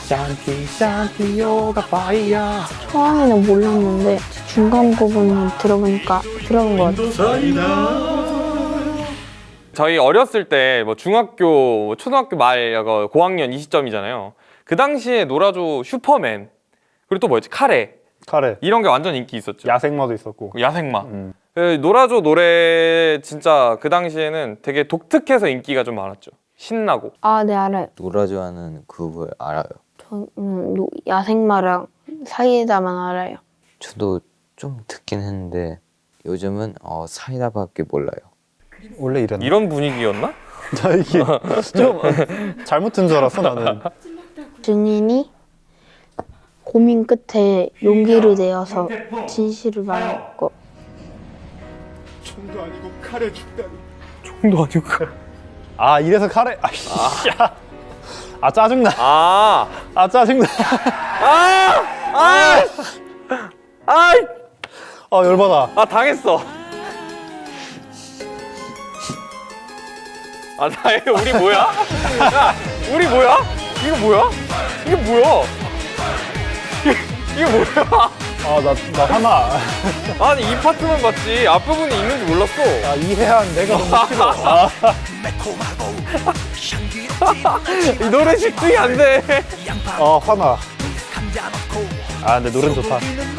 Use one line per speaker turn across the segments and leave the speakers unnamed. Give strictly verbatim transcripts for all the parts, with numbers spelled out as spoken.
샨티 샨티요가 파이야.
처음에는 몰랐는데 중간 부분 들어보니까 들어본 것 같아요.
저희 어렸을 때 뭐 중학교, 초등학교 말 고학년 이 시점이잖아요. 그 당시에 놀아줘 슈퍼맨 그리고 또 뭐였지? 카레
카레.
이런 게 완전 인기 있었죠.
야생마도 있었고.
야생마.
음.
그 놀아줘 노래 진짜 그 당시에는 되게 독특해서 인기가 좀 많았죠. 신나고.
아, 네, 알아요.
놀아줘 하는 그걸 알아요.
저는 노- 야생마랑 사이다만 알아요.
저도 좀 듣긴 했는데 요즘은 어, 사이다밖에 몰라요.
원래 이랬나?
이런 분위기였나?
나 이게 좀 잘못 든 줄 알았어 나는.
증인이 고민 끝에 용기를 내어서 진실을 말했고
총도 아니고 칼에 죽다니.
총도 아니고.
아 이래서 카레. 아이씨. 아 짜증나.
아.
아 짜증나.
아! 아! 아!
아 열받아.
아 당했어. 아 나의 우리 뭐야? 야, 우리 뭐야? 이거 뭐야? 이게 뭐야? 이게, 이게 뭐야?
아나 나 화나.
아니 이 파트만 봤지 앞부분이 있는지 몰랐어.
아 이해한 내가 너무 싫어. 아,
이 노래 집중이 안 돼.
아 화나. 아 근데 노래는 좋다.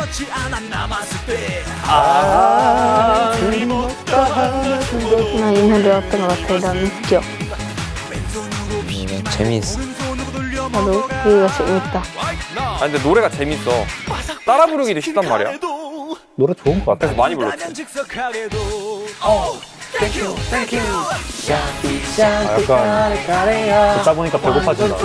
아,
나 이 노래였던 것 같아요. 난 웃겨.
음, 재미있어.
나도 그게 재밌다.
아 근데 노래가 재밌어. 따라 부르기도 쉽단 말이야.
노래 좋은 것 같아.
그래서 많이 불렀지.
아, 약간 듣다 보니까 배고파진다.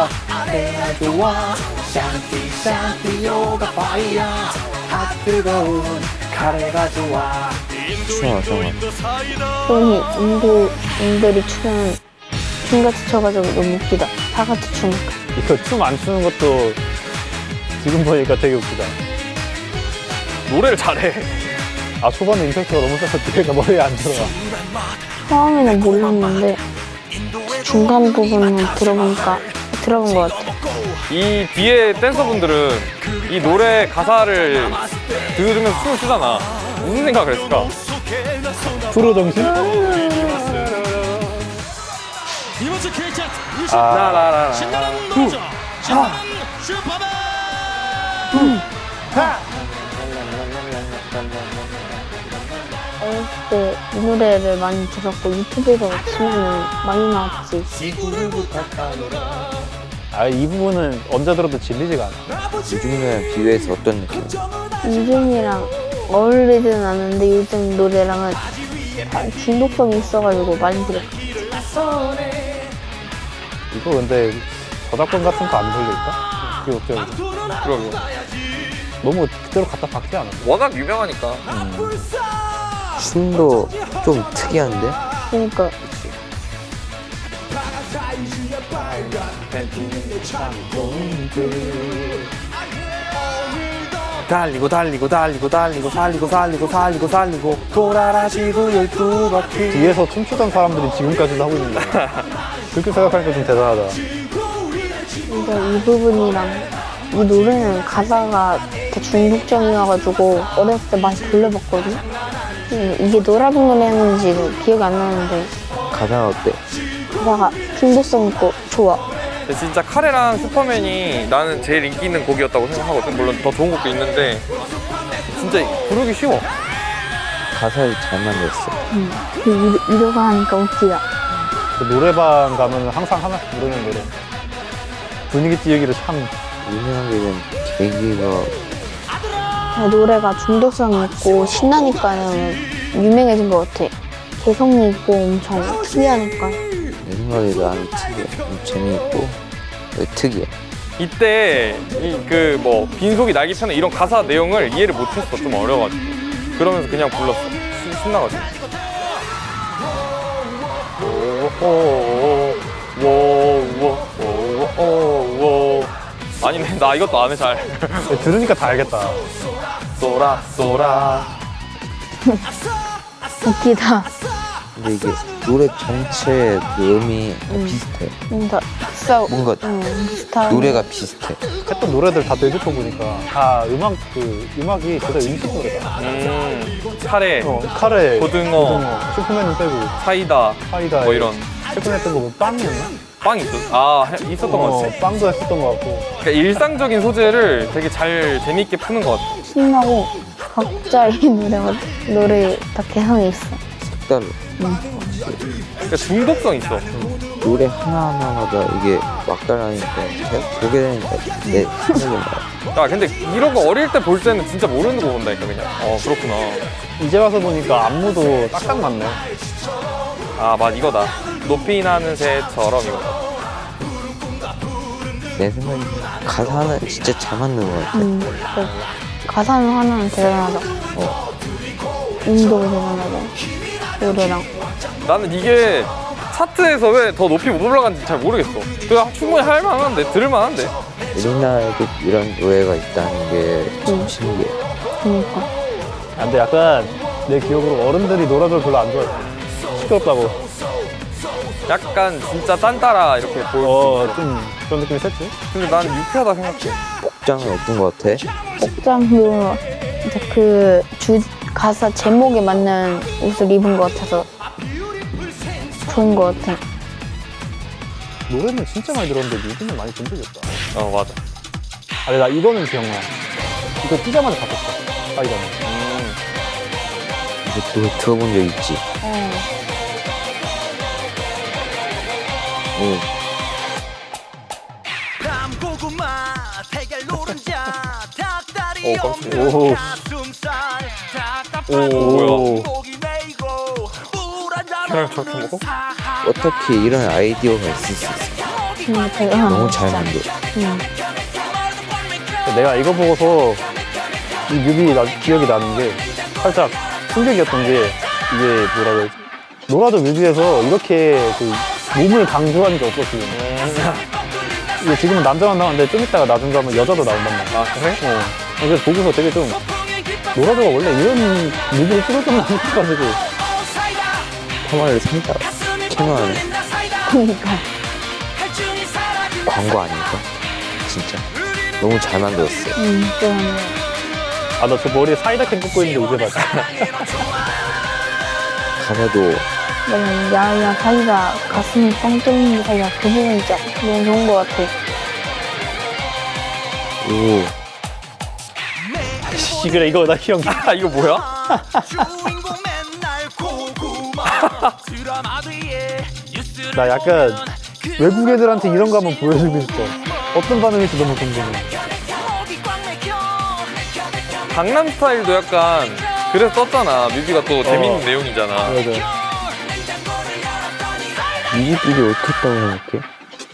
추워 정말.
형이 인도 인들이 추는 춤같이 춰가지고 너무 웃기다. 다 같이 추니까.
이거 춤 안 추는 것도 지금 보니까 되게 웃기다.
노래를 잘해.
아 초반에 임팩트가 너무 세서 뒤에가 머리에 안 들어가.
처음에는 몰랐는데 중간 부분은 들어보니까 들어본 것 같아요.
이 뒤에 댄서분들은 이 노래 가사를 들으면서 춤을 추잖아. 무슨 생각을 했을까?
프로 정신?
이번 주 K 차트 이십
아,
라라라.
신나는 노래죠. 신나는 슈퍼맨.
어렸을 때 이 노래를 많이 들었고 유튜브에서 치면은 많이 나왔지.
아 이 부분은 언제 들어도 질리지가 않아.
요즘에 비교해서 어떤 느낌이야?
요즘이랑 어울리진 않는데 요즘 노래랑은 다 중독성이 있어가지고 많이 들었어.
이거 근데 저작권 같은 거 안 돌릴까? 이게 어쩌고.
그러게.
너무 그대로 갖다 박지 않아?
워낙 유명하니까.
춤도 좀 특이한데?
그러니까
달리고 달리고 달리고 달리고 살리고 살리고 살리고 살리고 돌아라시고 열두 바퀴.
뒤에서 춤추던 사람들이 지금까지도 하고 있는 거야. 그렇게 생각하니까 좀 대단하다.
그러니까 이 부분이랑 이 노래는 가사가 되게 중독적이어가지고 어렸을 때 많이 돌려봤거든. 음, 이게 노라는 노래였는지 기억이 안 나는데
가사가 어때?
가사가 중독성 있고 좋아.
근데 진짜 카레랑 슈퍼맨이 나는 제일 인기 있는 곡이었다고 생각하거든. 물론 더 좋은 곡도 있는데 진짜 부르기 쉬워.
가사를 잘 만들었어.
음, 그 위- 위로가 하니까 웃기다.
그 노래방 가면 항상 하나씩 부르는 노래. 분위기 띄우기를 참.
유명하게 된 계기가
노래가 중독성이 있고 신나니까는 유명해진 것 같아. 개성이 있고 엄청 특이하니까.
내 생각에 나는 특이해. 좀 재미있고 특이해.
이때 이 그 뭐 빈속이 날개 펴는 이런 가사 내용을 이해를 못했어. 좀 어려가지고. 그러면서 그냥 불렀어. 신- 신나가지고. 오오오오오오오. 아니네, 나 이것도 안 해 잘.
들으니까 다 알겠다.
쏘라 쏘라.
웃기다.
근데 이게 노래 전체 그 음이 비슷해.
뭔가 비싸.
뭔가
응, 비슷한.
노래가 비슷해.
했던 노래들 다 되짚어 보니까 다 음악 그 음악이 진짜 음식 노래다.
음, 카레,
어, 카레,
고등어,
슈퍼맨은 빼고
사이다,
파이다
뭐 이런
최근에 했던 거뭐 빵이었나?
빵 있었. 아 해- 있었던 것
어,
같아.
빵도 했었던 것 같고.
그러니까 일상적인 소재를 되게 잘 재밌게 푸는 것 같아.
신나고 각자의 노래가 노래 다 개성이 있어.
색달라.
그러니까 중독성 있어.
노래 하나하나마다 이게 막달라니까 계속 보게 되니까 내 생각이 나요.
야 근데 이런 거 어릴 때 볼 때는 진짜 모르는 거 본다니까 그냥. 어 그렇구나.
이제 와서 보니까 안무도 딱딱 맞네.
아 맞 이거다. 높이 나는 새처럼 이거.
내 생각에 가사는 진짜 잘 맞는 것 같아.
음, 그 가사는 하나는 대단하다. 어. 인도 대단하고 노래랑.
나는 이게 차트에서 왜 더 높이 못 올라간지 잘 모르겠어. 그냥 충분히 할 만한데 들을 만한데.
우리나라에도 이런 노래가 있다는 게 좀
음.
신기해.
그러니까.
아, 근데 약간 내 기억으로 어른들이 노래를 별로 안 좋아했어. 시끄럽다고.
약간 진짜 딴따라 이렇게 보여.
어, 좀 그런 느낌이 셌지?
근데 난 유쾌하다 생각해.
복장은 어떤 것 같아?
복장도 이제 그 주 가사 제목에 맞는 옷을 입은 것 같아서 좋은 것 같아.
노래는 진짜 많이 들었는데 뮤비는 많이 본 적이 없다.
어 맞아.
아니, 나 이거는 기억나. 이거 뛰자마자 봤었어. 파이다는.
음.
이것도 들어본 적 있지?
어.
응.
밤고구마 달걀 노른자 닭다리
오,
없는
오.
가슴살
오,
답답한
뭐야.
고기 메이고 물한
계란을 저렇게 먹어?
어떻게 이런 아이디어가 있을 수 있어?
음, 대단하다.
너무 잘
진짜.
만들어.
음.
내가 이거 보고서 이 뮤비 나, 기억이 나는 게 살짝 충격이었던 게 이게 뭐라 그러지? 노라조 뮤비에서 이렇게 그 몸을 강조하는 게 없었어요. 이게 지금은 남자만 나오는데 좀 이따가 나중 가면 여자도 나온단 말이야.
아 그래?
어. 그래서 보고서 되게 좀 노라조가 원래 이런 뮤비를 찍었던 거 싶어가지고
화마를 산다. 캐논하네.
그러니까.
광고 아닐까? 진짜. 너무 잘 만들었어.
음, 대단해.
아 나 저 머리에 사이다 캔 꽂고 있는데 이제 봤어.
가사도
너무 야야 사이다 가슴이 뻥 뚫리는 사이다 그 부분 진짜 너무 좋은 것 같아.
오
씨 그래 이거 나 기억나.
아 이거 뭐야?
주인공 맨날 고구마 드라마 뒤에 뉴스를
나 약간
보면
외국 애들한테 이런 거 한번 보여주고 싶어. 어떤 반응일지 너무 궁금해.
목이 꽉 막혀
강남 스타일도 약간 그래서 떴잖아. 뮤비가 또 재밌는
어.
내용이잖아.
맞아.
뮤직비디오 어떻게 했다고 생각해?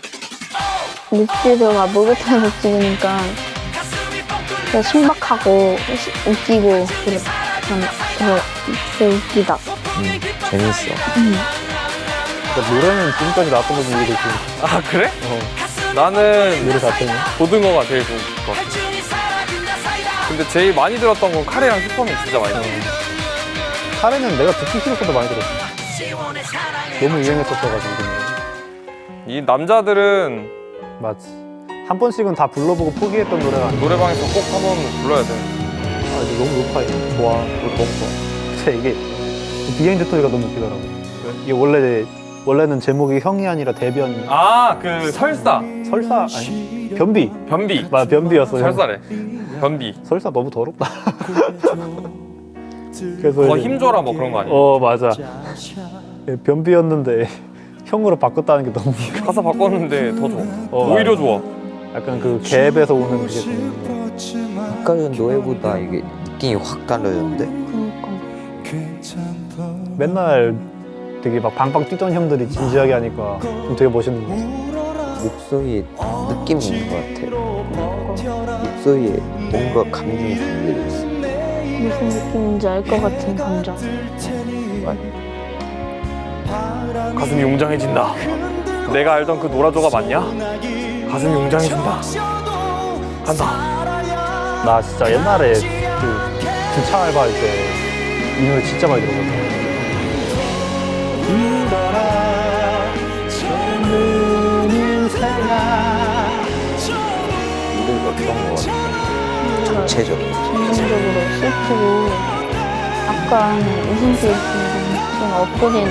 뮤직비디오가 목욕탕에서 찍으니까 되게 신박하고 시- 웃기고 그래. 그냥 그래서 되게 웃기다.
음, 재밌어.
그러니까 노래는 지금까지 나왔던 거 중에 되게
아 그래?
어,
나는
노래 자체는
고등어가 제일 좋은 것 같아. 근데 제일 많이 들었던 건 카레랑 슈퍼맨 진짜 많이 들었어.
카레는 내가 듣기 싫어서도 많이 들었어. 너무 유행했었어가지고 그 노래.
이 남자들은
맞지. 한 번씩은 다 불러보고 포기했던 노래가 아니야.
노래방에서 꼭 한번 불러야 돼.
아, 이게 너무 높아. 이거. 좋아. 이거 너무 좋아. 진짜 이게 비하인드 스토리가 너무 웃기더라고. 이게 원래 원래는 제목이 형이 아니라 대변
아 그 설사,
설사 아니 변비.
변비.
맞아 변비였어.
설사래. 변비.
설사 너무 더럽다. 그래서
더
이제-
힘줘라 뭐 그런 거 아니야?
어 맞아. 예, 변비였는데 형으로 바꿨다는 게 너무
가사 바꿨는데 더 좋아.
어,
오히려 좋아.
약간 그 갭에서 오는 그게 좀
아까 전 노래보다 이게 느낌이 확 달라졌는데?
그러니까.
맨날 되게 막 방방 뛰던 형들이 진지하게 하니까 좀 되게 멋있는 거.
목소리에 느낌이 있는 것 같아. 목소리에 뭔가 감정이 담겨 있어.
무슨 느낌인지 알 것 같은 감정.
가슴이 웅장해진다. 내가 알던 그 노라조가 맞냐? 가슴이 웅장해진다. 간다.
나 진짜 옛날에 그 주차 알바할 때 이 노래 진짜 많이 들었거든. 일어나, 젊은 인생
어떤 거 같아요? 전체적으로.
전반적으로 슬프고 약간 웃음기 좀 없어지는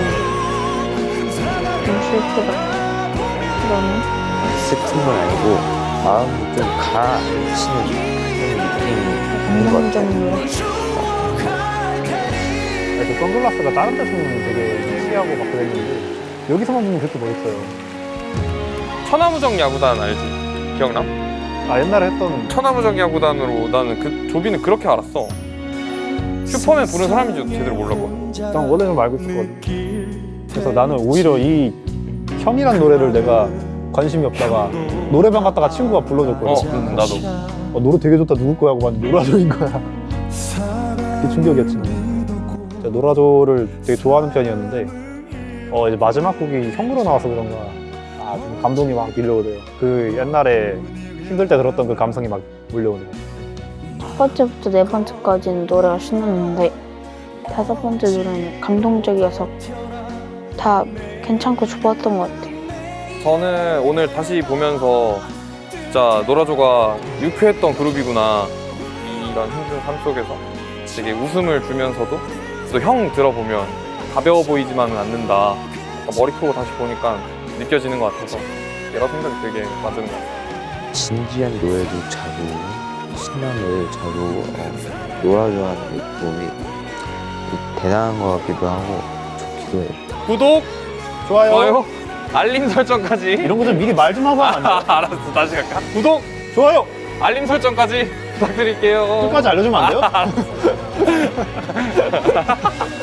좀 슬프다. 그러면
슬픈 건 아니고 마음이 좀 가라앉히는 그런 느낌이 있는 것 같아요.
감정적으로
그 선글라스가 다른 데서는 되게 시하고 막 그랬는데 여기서만 보면 그렇게 멋있어요.
천하무적 야구단 알지? 기억나?
아 옛날에 했던
천하무적 야구단으로 나는 그 조비는 그렇게 알았어. 슈퍼맨 부른 사람인지도 제대로 몰랐거든.
난 원래는 알고 있었거든. 그래서 나는 오히려 이 형이란 노래를 내가 관심이 없다가 노래방 갔다가 친구가 불러줬거든.
어, 음, 나도.
어, 노래 되게 좋다. 누구 거야? 하고 봤는데 노라조인 거야. 그게 충격이었지. 제가 노라조를 되게 좋아하는 편이었는데 어 이제 마지막 곡이 형으로 나와서 그런가 아, 좀 감동이 막 밀려오네요. 그 옛날에 힘들 때 들었던 그 감성이 막 몰려오네요.
첫 번째부터 네 번째까지는 노래가 신났는데 다섯 번째 노래는 감동적이어서 다 괜찮고 좋았던 것 같아요.
저는 오늘 다시 보면서 진짜 노라조가 유쾌했던 그룹이구나. 이런 힘든 삶 속에서 되게 웃음을 주면서도 또 형 들어보면 가벼워 보이지만은 않는다. 약간 머리 크고 다시 보니까 느껴지는 것 같아서 여러 생각이 되게 맞은 것 같아요.
진지한 노래도 자고 신나는 노래도 자고 어, 놀아줘하는 느낌이 대단한 것 같기도 하고 좋기도 해요.
구독,
좋아요.
좋아요, 알림 설정까지.
이런 거 좀 미리 말 좀 하고 하면 안 돼요?
알았어, 다시 갈까? 구독,
좋아요.
알림 설정까지 부탁드릴게요.
끝까지 알려주면 안 돼요?